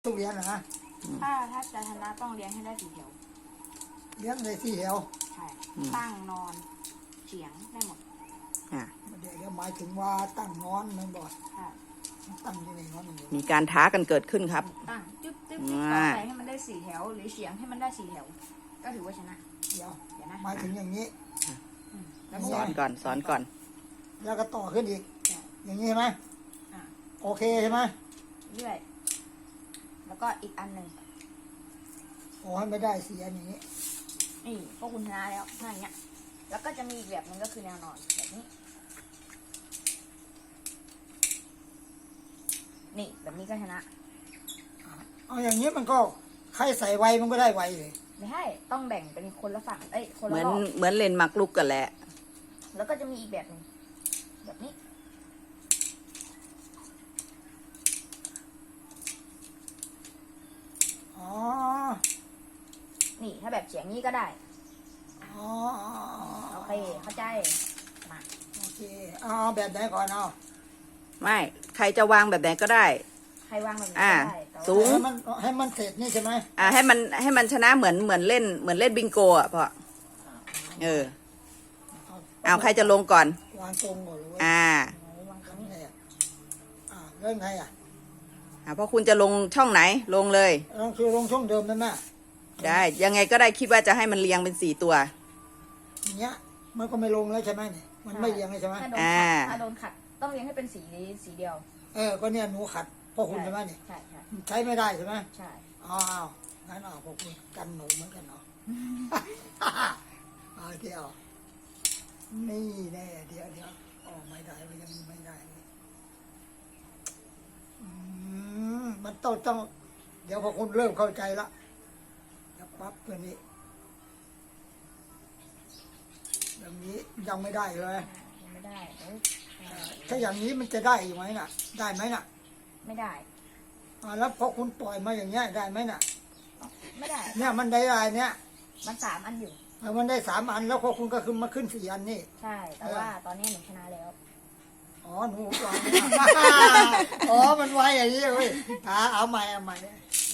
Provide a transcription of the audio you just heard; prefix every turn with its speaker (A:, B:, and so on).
A: ต้องเลี้ยงนะ
B: ถ้าจะชนะต้องเลี้ยงให้ได้4 แถว
A: เลี้ยงในที่แถว
B: ใช่ตั้งนอนเฉียงได้หมด
A: เดี๋ยวหมายถึงว่าตั้งนอนมันบ่อยตั้งยังไงนอนอย่างเดียว
C: มีการท้ากันเกิดขึ้นครับ
B: ตั้งจึ๊บต่อไปให้มันได้4 แถวหรือเฉียงให้มันได้4 แถวก็ถือว่าชนะ
A: เดี๋ยวนะหมายถึงอย่างนี้
C: สอนก่อน
A: แล้วก็ต่อขึ้นอีกอย่างนี้ใช่ไหมโอเคใช่ไหม
B: เรื่อยแล้วก็อีกอันหนึ่ง
A: โอ้ให้ไม่ได้4 อันอย่างนี้
B: นี่พวกคุณชนะแล้วถ้าอย่างเงี้ยแล้วก็จะมีอีกแบบหนึ่งก็คือแนวนอนแบบนี้นี่แบบนี้ก็ชนะ
A: เอาอย่างนี้มันก็ใครใส่ไวมันก็ได้ไวเลย
B: ไม่ให้ต้องแบ่งเป็นคนละฝั่งคนละ
C: เห
B: รอบ
C: มือนเล่นหมากรุกกันแหละ
B: แล้วก็จะมีอีกแบบหนึ่งแบบนี้
A: อ๋อ
B: นี่ถ้าแบบเฉียงนี้ก็ได้
A: อ๋อ
B: โอเคเข้าใจมา
A: โอเคเอาแบบไหนก่อนเอา
C: ไม่ใครจะวางแบบไหนก็ได้
B: ใครวางแบบไหนก็ได้
C: สูง
A: ให้มันเสร็จนี่ใช่ไหม
C: ให้มันชนะเหมือนเล่นบิงโกอ่ะพ่อเอาใครจะลงก่อน
A: วางตรงก่อนเลยวางตรงนี้เริ่มไง
C: เพราะคุณจะลงช่องไหนลงเลย
A: ลงช่องเดิมได้ไหม
C: ได้ยังไงก็ได้คิดว่าจะให้มันเรียงเป็น4 ตัว
A: อย่างเงี้ยมันก็ไม่ลงแล้วใช่ไหมเนี่ยมันไม่เรียงเลยใช่ไหม
B: ถ้าโดนขัดต้องเรียงให้เป็นสีเดียว
A: ก็เนี่ยหนูขัดพ่อคุณใช่ไหมเนี่ยใช้ไม่ได้ใช่ไหม
B: ใช่
A: งั้นพ่อคุณกันหนูเหมือนกันเนาะเดี๋ยวนี่แน่เดี๋ยวไม่ได้มันยังไม่ได้มันต้องเดี๋ยวพอคุณเริ่มเข้าใจละจะปั๊บตัวนี้อย่างนี้ยังไม่ได้เลย
B: ไม่ได้
A: ถ้าอย่างนี้มันจะได้อยู่ไหมน่ะได้ไหมน่ะ
B: ไม่ได้
A: แล้วพอคุณปล่อยมาอย่างเงี้ยได้ไหมน่ะ
B: ไม่ได้
A: เนี่ยมันได้อะไรเนี่ย
B: มัน3 อันอยู่
A: มันได้3 อันแล้วพอคุณก็ขึ้นมาขึ้น4 อันนี่
B: ใช่แต่ว่าตอนนี้หนูชนะแล้ว
A: หนูวางมันไวอย่างนี้เว้ยเอาใหม่